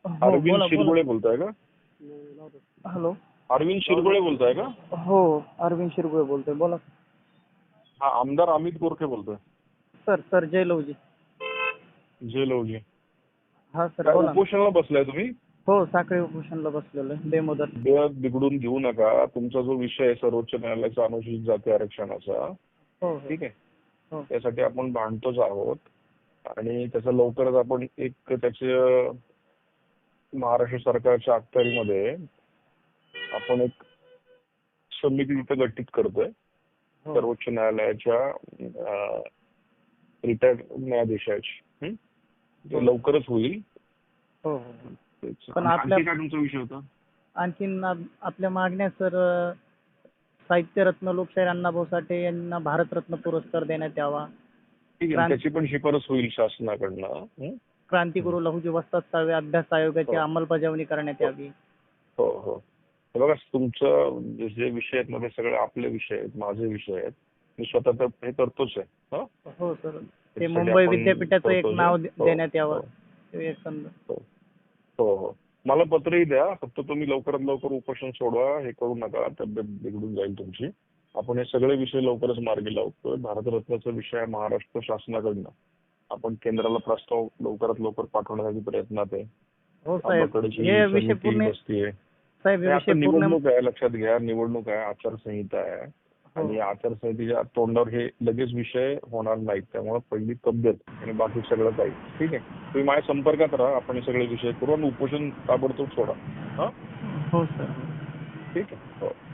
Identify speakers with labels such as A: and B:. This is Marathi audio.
A: हो
B: अरविंद
A: बोला बोला.
B: शिरगुळे बोलताय का?
A: हॅलो.
B: अरविंद शिरगुळे बोलताय का?
A: हो अरविंद शिरगुळे बोलतोय, बोला.
B: हा, आमदार अमित गोरखे बोलतोय.
A: सर जय लवजी.
B: जे लवजी.
A: हा सर
B: काय
A: बोला.
B: उपोषणाला बसलाय तुम्ही?
A: हो साखळी उपोषणला बसलेलो आहे बेमुदत.
B: वेळ बिघडून घेऊ नका. तुमचा जो विषय आहे सर्वोच्च न्यायालयाचा अनुसूचित जाती आरक्षणाचा,
A: हो
B: ठीक आहे,
A: हो
B: त्यासाठी आपण भांडतोच आहोत आणि त्याचा लवकरच आपण एक त्याचे महाराष्ट्र सरकारच्या अखत्यारीमध्ये आपण एक समिती तिथे गठीत करतोय
A: हो
B: सर्वोच्च न्यायालयाच्या रिटायर्ड न्यायाधीशाची. ते लवकरच होईल.
A: हो हो.
B: तेच.
A: पण
B: आणखी काय तुमचा विषय होता?
A: आणखीन आपल्या मागण्या सर, साहित्यरत्न लोकशाहीर अण्णाभाऊ साठे यांना भारतरत्न पुरस्कार देण्यात यावा.
B: ठीक आहे, त्याची पण शिफारस होईल शासनाकडनं.
A: क्रांतिगुरु लहुजी वस्ताद साळवे अभ्यास आयोगाची अंमलबजावणी करण्यात यावी.
B: हो हो. हे बघा, तुमचं जे विषय आहेत मध्ये सगळे आपले विषय आहेत, माझे विषय आहेत. मी स्वतः तर हे करतोच आहे.
A: हो सर. ते मुंबई विद्यापीठाचं एक नाव देण्यात यावं.
B: हो हो हो. मला पत्रही द्या. फक्त तुम्ही लवकरात लवकर उपोषण सोडवा. हे करू नका, तब्येत बिघडून जाईल तुमची. आपण हे सगळे विषय लवकरच मार्गी लावतोय. भारतरत्नाचा विषय आहे महाराष्ट्र शासनाकडनं. आपण केंद्राला प्रस्ताव लवकरात लवकर पाठवण्यासाठी प्रयत्नात आहे.
A: हो साहेब.
B: हे विषय पूर्ण बसतीये.
A: साहेब
B: आता निवडणूक आहे, लक्षात घ्या. निवडणूक आहे, आचारसंहिता आहे आणि आचारसंहितेच्या तोंडावर हे लगेच विषय होणार नाहीत. त्यामुळे पहिली तब्येत आणि बाकी सगळं काही ठीक आहे. तुम्ही माझ्या संपर्कात राहा. आपण हे सगळे विषय करू आणि उपोषण ताबडतोब सोडा.
A: हो सर.
B: ठीक आहे. हो.